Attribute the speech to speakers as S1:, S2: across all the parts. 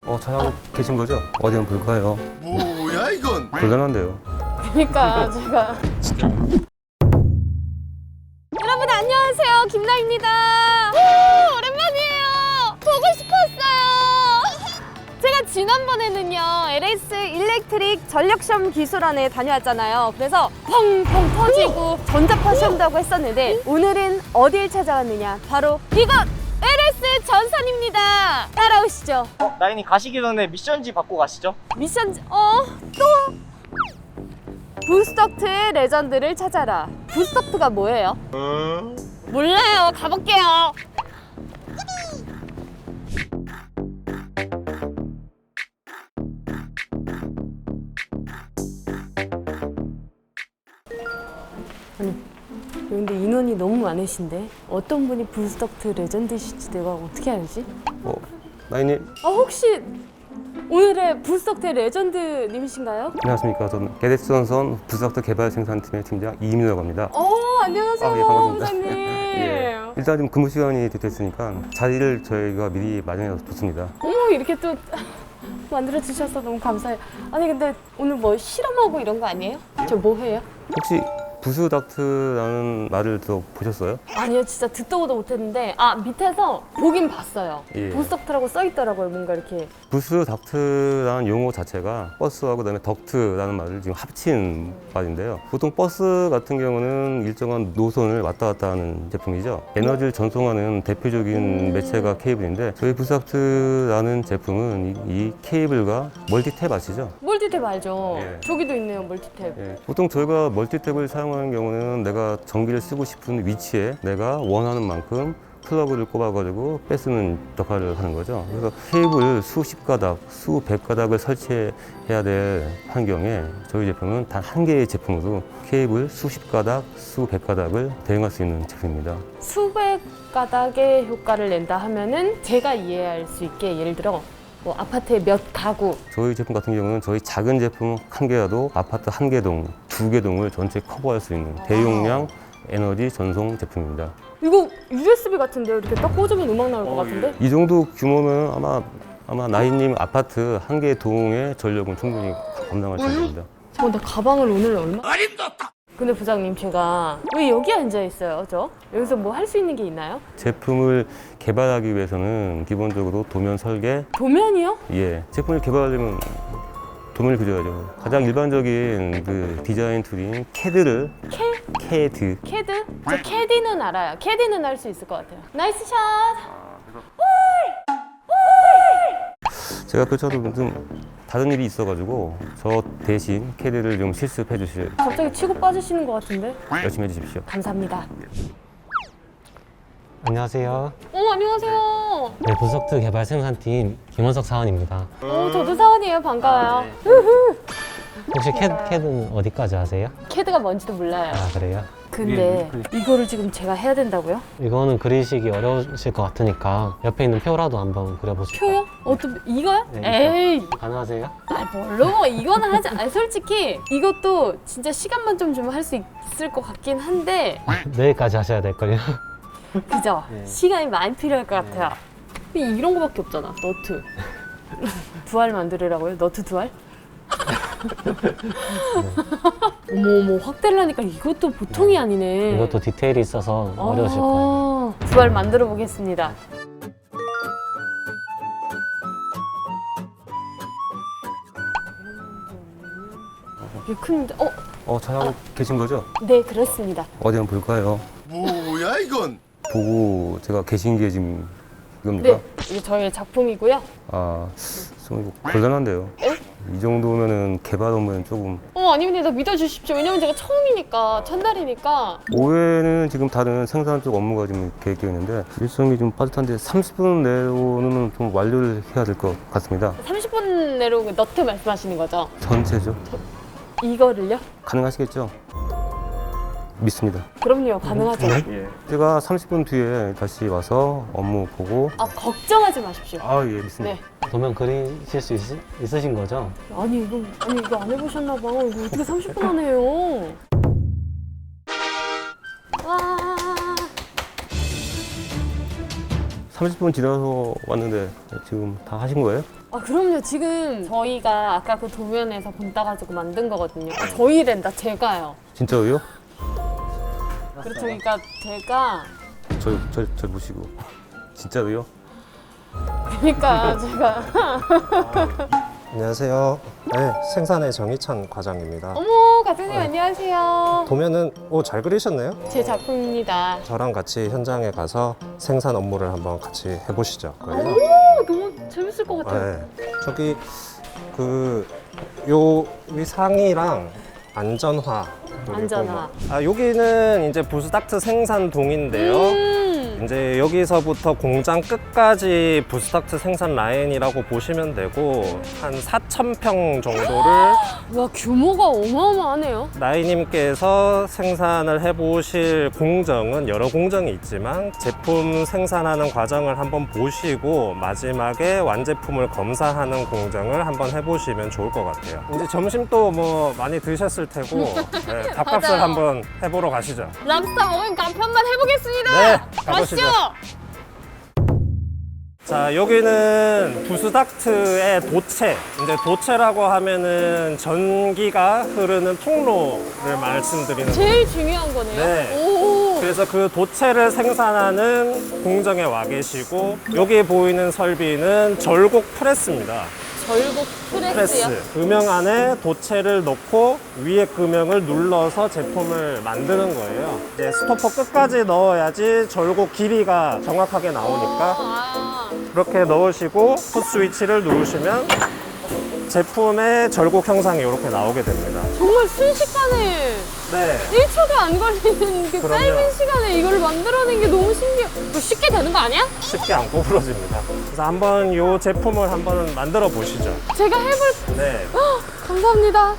S1: 촬영 계신 거죠? 어디 한번 볼까요?
S2: 뭐야 이건?
S1: 곤란한데요.
S3: 그러니까 제가 여러분 안녕하세요, 김나입니다. 오, 오랜만이에요. 보고 싶었어요. 제가 지난번에는요 LS 일렉트릭 전력시험 기술원에 다녀왔잖아요. 그래서 펑펑 터지고 전자파 시험도 하고 했었는데 오늘은 어딜 찾아왔느냐, 바로 이곳 LS 전선입니다. 따라오시죠.
S4: 나인이 가시기 전에 미션지 받고 가시죠.
S3: 미션 또 부스덕트 레전드를 찾아라. 부스덕트가 뭐예요? 몰라요. 가볼게요. 아니, 근데 인원이 너무 많으신데 어떤 분이 부스덕트 레전드실지 내가 어떻게 알지?
S1: 나인님,
S3: 혹시 오늘의 부스덕트 레전드님이신가요?
S1: 안녕하십니까. 저는 게데스전선 부스닥터 개발 생산팀의 팀장 이민우라고 합니다.
S3: 안녕하세요.
S1: 예, 반갑습니다.
S3: 부장님.
S1: 예. 일단 좀 근무 시간이 됐으니까 자리를 저희가 미리 마련해서 좋습니다.
S3: 어머, 이렇게 또 만들어 주셔서 너무 감사해요. 아니 근데 오늘 뭐 실험하고 이런 거 아니에요? 저 뭐 해요?
S1: 혹시 부스닥트라는 말을 들어보셨어요?
S3: 아니요, 진짜 듣도 보도 못했는데 밑에서 보긴 봤어요.
S1: 예.
S3: 부스덕트라고 써 있더라고요. 뭔가 이렇게.
S1: 부스닥트라는 용어 자체가 버스하고 그다음에 덕트라는 말을 지금 합친 말인데요. 보통 버스 같은 경우는 일정한 노선을 왔다 갔다 하는 제품이죠. 에너지를 전송하는 대표적인 매체가 케이블인데 저희 부스닥트라는 제품은 이 케이블과 멀티탭 아시죠?
S3: 멀티탭 알죠?
S1: 예.
S3: 저기도 있네요, 멀티탭.
S1: 예, 보통 저희가 멀티탭을 사용하는 경우는 내가 전기를 쓰고 싶은 위치에 내가 원하는 만큼 플러그를 꼽아가지고 빼쓰는 역할을 하는 거죠. 그래서 케이블 수십 가닥, 수백 가닥을 설치해야 될 환경에 저희 제품은 단 한 개의 제품으로 케이블 수십 가닥, 수백 가닥을 대응할 수 있는 제품입니다.
S3: 수백 가닥의 효과를 낸다 하면은 제가 이해할 수 있게, 예를 들어 뭐 아파트의 몇 가구.
S1: 저희 제품 같은 경우는 저희 작은 제품 한 개라도 아파트 한 개 동, 두 개 동을 전체 커버할 수 있는 대용량 에너지 전송 제품입니다.
S3: 이거 USB 같은데요? 이렇게 딱 꽂으면 음악 나올 것 같은데?
S1: 이 정도 규모면 아마 나이님 아파트 한 개 동의 전력은 충분히 감당할 수 있습니다.
S3: 나 가방을 오늘 얼마? 근데 부장님, 제가 왜 여기 앉아 있어요? 여기서 뭐 할 수 있는 게 있나요?
S1: 제품을 개발하기 위해서는 기본적으로 도면 설계,
S3: 도면이요?
S1: 제품을 개발하려면 도면을 그려야죠. 가장 일반적인 그 디자인 툴인 캐드.
S3: 캐드? 저 캐디는 알아요. 캐디는 할 수 있을 것 같아요. 나이스 샷!
S1: 제가 그렇다도 좀 다른 일이 있어가지고 저 대신 캐드를 좀 실습해 주실
S3: 갑자기 치고 빠지시는 것 같은데?
S1: 열심히 해주십시오.
S3: 감사합니다.
S5: 안녕하세요.
S3: 안녕하세요.
S5: 네, 부스덕트 개발 생산팀 김원석 사원입니다.
S3: 저도 사원이에요. 반가워요.
S5: 혹시 캐드는 어디까지 아세요?
S3: 캐드가 뭔지도 몰라요.
S5: 그래요?
S3: 근데 이거를 지금 제가 해야 된다고요?
S5: 이거는 그리시기 어려우실 것 같으니까 옆에 있는 표라도 한번 그려보실까요?
S3: 표요? 이거요?
S5: 네,
S3: 에이,
S5: 가능하세요?
S3: 뭘로? 이거는 하지. 솔직히 이것도 진짜 시간만 좀 주면 할 수 있을 것 같긴 한데,
S5: 내일까지 하셔야 될걸요?
S3: 그죠? 시간이 많이 필요할 것 같아요. 이런 거밖에 없잖아. 너트. 두 알 만들으라고요? 너트 두 알? 어머, 확대를 하니까 이것도 보통이 아니네.
S5: 이것도 디테일이 있어서 어려우실 거예요.
S3: 두 알 만들어 보겠습니다. 이게 큰데,
S1: 촬영 계신 거죠?
S3: 네, 그렇습니다.
S1: 어디 한번 볼까요?
S2: 뭐야 이건?
S1: 보고 제가 계신 게 지금 이겁니까?
S3: 네, 이게 저희의 작품이고요.
S1: 좀 이거 곤란한데요. 이 정도면은 개발 업무는 조금
S3: 아닙니다. 믿어주십시오. 왜냐면 제가 처음이니까, 첫날이니까.
S1: 오후에는 지금 다른 생산 쪽 업무가 지금 계획되어 있는데 일정이 좀 빠듯한데 30분 내로는 좀 완료를 해야 될 것 같습니다.
S3: 30분 내로 너트 말씀하시는 거죠?
S1: 전체죠.
S3: 이거를요?
S1: 가능하시겠죠? 믿습니다.
S3: 그럼요, 가능하죠.
S1: 제가 30분 뒤에 다시 와서 업무 보고
S3: 걱정하지 마십시오.
S1: 믿습니다.
S3: 네.
S5: 도면 그리실 수 있으신 거죠?
S3: 아니 이거 안 해보셨나 봐. 이거 어떻게 30분 안 해요? 와.
S1: 30분 지나서 왔는데 지금 다 하신 거예요?
S3: 아 그럼요. 지금 저희가 아까 그 도면에서 본 따가지고 만든 거거든요. 아, 저희랜다. 제가요.
S1: 진짜로요?
S3: 그렇죠. 그러니까 제가
S1: 저 보시고 진짜로요?
S3: 그러니까 제가
S6: 안녕하세요. 네, 생산의 정희찬 과장입니다.
S3: 어머 과장님 안녕하세요.
S6: 도면은 잘 그리셨네요?
S3: 제 작품입니다.
S6: 저랑 같이 현장에 가서 생산 업무를 한번 같이 해보시죠. 그래요?
S3: 오 너무 재밌을 것 같아요.
S6: 네. 저기 요 위상이랑 안전화 그리고
S3: 안전화.
S6: 여기는 이제 부스닥트 생산동인데요. 이제 여기서부터 공장 끝까지 부스닥트 생산 라인이라고 보시면 되고 한 4,000평 정도를
S3: 와 규모가 어마어마하네요.
S6: 나이님께서 생산을 해보실 공정은 여러 공정이 있지만 제품 생산하는 과정을 한번 보시고 마지막에 완제품을 검사하는 공정을 한번 해보시면 좋을 것 같아요. 이제 점심도 뭐 많이 드셨을 테고 네, 밥값을
S3: 맞아요.
S6: 한번 해보러 가시죠.
S3: 랍스터 먹은 간편만 해보겠습니다.
S6: 네, 가보시죠.
S3: 가시죠.
S6: 자, 여기는 부스닥트의 도체. 이제 도체라고 하면은 전기가 흐르는 통로를 말씀드리는
S3: 제일 중요한 거네요.
S6: 네.
S3: 오.
S6: 그래서 그 도체를 생산하는 공정에 와 계시고 여기 보이는 설비는 절곡 프레스입니다.
S3: 절곡 프레스요.
S6: 프레스. 금형 안에 도체를 넣고 위에 금형을 눌러서 제품을 만드는 거예요. 이제 스토퍼 끝까지 넣어야지 절곡 길이가 정확하게 나오니까
S3: 아.
S6: 그렇게 넣으시고 풋 스위치를 누르시면 제품의 절곡 형상이 이렇게 나오게 됩니다.
S3: 정말 순식간에
S6: 네.
S3: 1초도 안 걸리는 그
S6: 그럼요.
S3: 짧은 시간에 이걸 만들어낸 게 너무 신기해요. 이거 쉽게 되는 거 아니야?
S6: 쉽게 안 구부러집니다. 그래서 한번 이 제품을 한번 만들어 보시죠.
S3: 제가 해볼.
S6: 네.
S3: 감사합니다.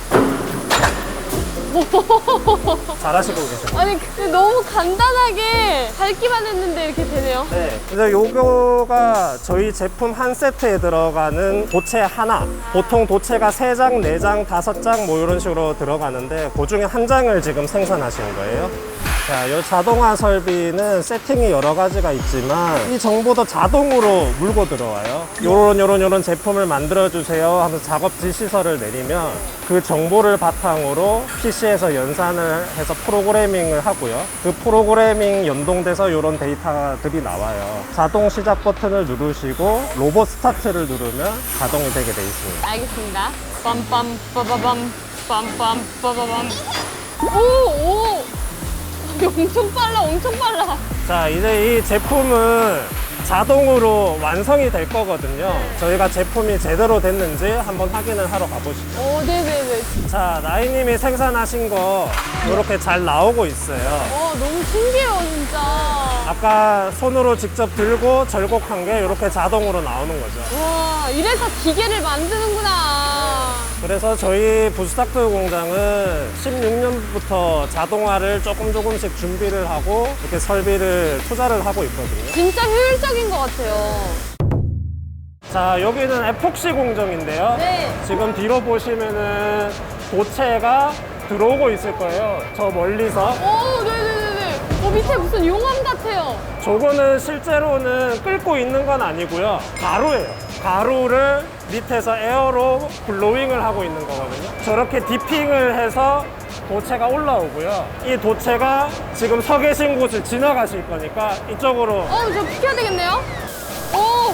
S6: 잘하시고 계십니다.
S3: 아니 근데 너무 간단하게 밟기만 했는데 이렇게 되네요.
S6: 네. 그래서 요거가 저희 제품 한 세트에 들어가는 도체 하나. 보통 도체가 3장, 4장, 5장 뭐 이런 식으로 들어가는데 그 중에 한 장을 지금 생산하시는 거예요. 자, 이 자동화 설비는 세팅이 여러 가지가 있지만 이 정보도 자동으로 물고 들어와요. 요런 제품을 만들어 주세요 하면서 작업지 시설을 내리면 그 정보를 바탕으로 PC에서 연산을 해서 프로그래밍을 하고요. 그 프로그래밍 연동돼서 이런 데이터들이 나와요. 자동 시작 버튼을 누르시고 로봇 스타트를 누르면 자동이 되게 돼 있습니다.
S3: 알겠습니다. 빰빰 빠바밤 빰빰 빠바밤. 오. 엄청 빨라, 엄청 빨라.
S6: 자, 이제 이 제품은 자동으로 완성이 될 거거든요. 저희가 제품이 제대로 됐는지 한번 확인을 하러 가보시죠.
S3: 오, 네네네.
S6: 자, 나이님이 생산하신 거 이렇게 잘 나오고 있어요.
S3: 너무 신기해요, 진짜.
S6: 아까 손으로 직접 들고 절곡한 게 이렇게 자동으로 나오는 거죠.
S3: 와, 이래서 기계를 만드는구나.
S6: 그래서 저희 부스닥트 공장은 16년부터 자동화를 조금씩 준비를 하고 이렇게 설비를 투자를 하고 있거든요.
S3: 진짜 효율적인 것 같아요.
S6: 자, 여기는 에폭시 공정인데요.
S3: 네.
S6: 지금 뒤로 보시면은 도체가 들어오고 있을 거예요. 저 멀리서.
S3: 오, 네네네네. 밑에 무슨 용암 같아요.
S6: 저거는 실제로는 끓고 있는 건 아니고요. 가루예요. 가루를 밑에서 에어로 블로잉을 하고 있는 거거든요. 저렇게 디핑을 해서 도체가 올라오고요. 이 도체가 지금 서 계신 곳을 지나가실 거니까 이쪽으로
S3: 저 비켜야 되겠네요. 오,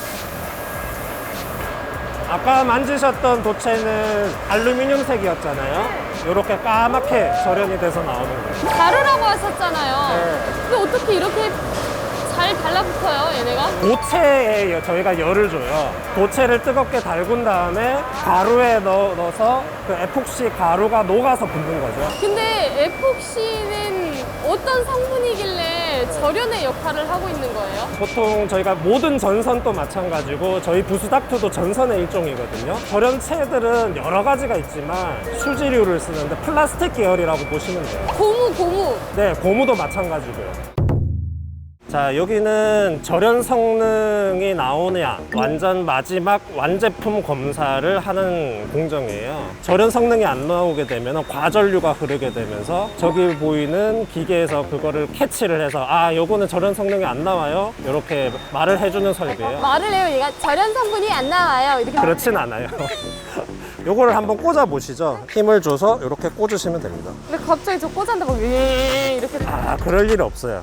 S6: 아까 만지셨던 도체는 알루미늄색이었잖아요. 이렇게 까맣게 절연이 돼서 나오는 거예요.
S3: 가루라고 하셨잖아요.
S6: 네.
S3: 근데 어떻게 이렇게 잘 달라붙어요, 얘네가?
S6: 도체에 저희가 열을 줘요. 도체를 뜨겁게 달군 다음에 가루에 넣어서 그 에폭시 가루가 녹아서 붙는 거죠.
S3: 근데 에폭시는 어떤 성분이길래 절연의 역할을 하고 있는 거예요?
S6: 보통 저희가 모든 전선도 마찬가지고 저희 부스닥트도 전선의 일종이거든요. 절연체들은 여러 가지가 있지만 수지류를 쓰는데 플라스틱 계열이라고 보시면 돼요.
S3: 고무.
S6: 네, 고무도 마찬가지고요. 자, 여기는 절연 성능이 나오냐 완전 마지막 완제품 검사를 하는 공정이에요. 절연 성능이 안 나오게 되면 과전류가 흐르게 되면서 저기 보이는 기계에서 그거를 캐치를 해서 아, 요거는 절연 성능이 안 나와요, 이렇게 말을 해주는 설비예요.
S3: 말을 해요. 얘가 절연 성분이 안 나와요. 이렇게.
S6: 그렇진 않아요. 요거를 한번 꽂아 보시죠. 힘을 줘서 이렇게 꽂으시면 됩니다.
S3: 근데 갑자기 저 꽂았는데 막 이렇게.
S6: 아, 그럴 일 없어요.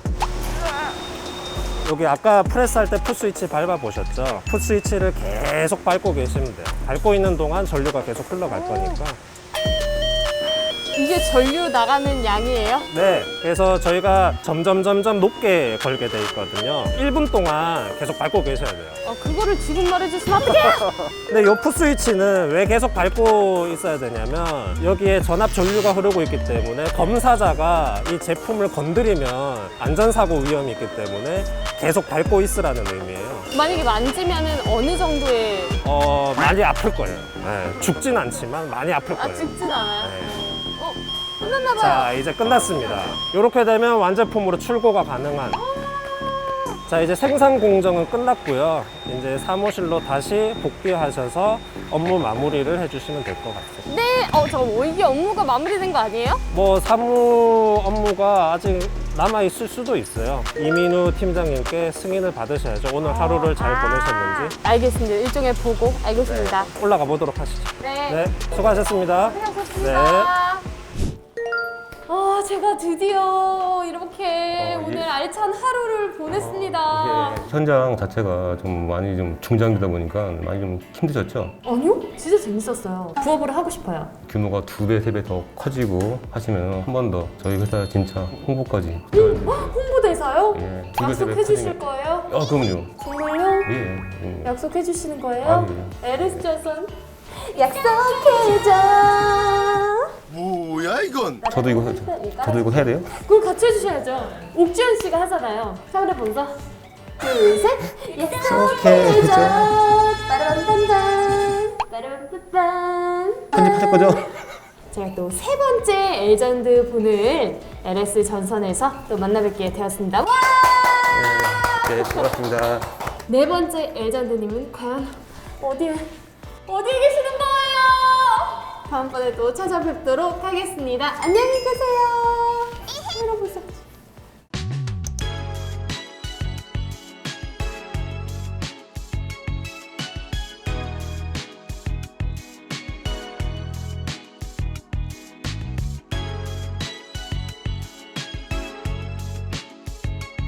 S6: 여기 아까 프레스할 때 풋스위치 밟아 보셨죠? 풋스위치를 계속 밟고 계시면 돼요. 밟고 있는 동안 전류가 계속 흘러갈 거니까.
S3: 이게 전류 나가는 양이에요?
S6: 네, 그래서 저희가 점점 높게 걸게 돼 있거든요. 1분 동안 계속 밟고 계셔야 돼요.
S3: 그거를 지금 말해주시면 어떡해?
S6: 근데 이 풋스위치는 왜 계속 밟고 있어야 되냐면 여기에 전압 전류가 흐르고 있기 때문에 검사자가 이 제품을 건드리면 안전사고 위험이 있기 때문에 계속 밟고 있으라는 의미예요.
S3: 만약에 만지면은 어느 정도의
S6: 많이 아플 거예요. 네, 죽진 않지만 많이 아플 거예요.
S3: 죽진 않아요?
S6: 네.
S3: 끝났나봐요.
S6: 자, 이제 끝났습니다. 이렇게 되면 완제품으로 출고가 가능한. 자, 이제 생산 공정은 끝났고요. 이제 사무실로 다시 복귀하셔서 업무 마무리를 해주시면 될 것 같아요.
S3: 네, 이게 업무가 마무리된 거 아니에요?
S6: 뭐 사무 업무가 아직 남아 있을 수도 있어요. 이민우 팀장님께 승인을 받으셔야죠. 오늘 하루를 잘 보내셨는지.
S3: 알겠습니다. 일종의 보고 알겠습니다.
S6: 올라가 보도록 하시죠.
S3: 네.
S6: 네, 수고하셨습니다.
S3: 고생하셨습니다. 제가 드디어 이렇게 오늘 알찬 하루를 보냈습니다.
S1: 현장 자체가 좀 많이 좀 중장기다 보니까 많이 좀 힘드셨죠?
S3: 아니요? 진짜 재밌었어요. 부업을 하고 싶어요.
S1: 규모가 2배, 3배 더 커지고 하시면 한 번 더 저희 회사 진짜 홍보까지.
S3: 홍보대사요?
S1: 예, 2배, 3배
S3: 약속해 주실
S1: 커지면-
S3: 거예요?
S1: 그럼요.
S3: 정말요?
S1: 예.
S3: 약속해 주시는 거예요?
S1: 아,
S3: LS 조선 약속해줘.
S2: 뭐야 이건?
S1: 저도 이거 해야 돼요?
S3: 그걸 같이 해주셔야죠. 옥주현 씨가 하잖아요. 카메라 보면서 둘, 셋. 약속해줘. 빠라밤밤밤. 빠라밤밤밤.
S1: 편집하실 거죠?
S3: 제가 또 세 번째 엘전드 분을 LS 전선에서 또 만나뵙게 되었습니다. 와!
S1: 네, 고맙습니다.
S3: 네 번째 엘전드님은 과연 어디에 계시는 거예요? 다음번에 또 찾아뵙도록 하겠습니다. 안녕히 계세요. 여러분.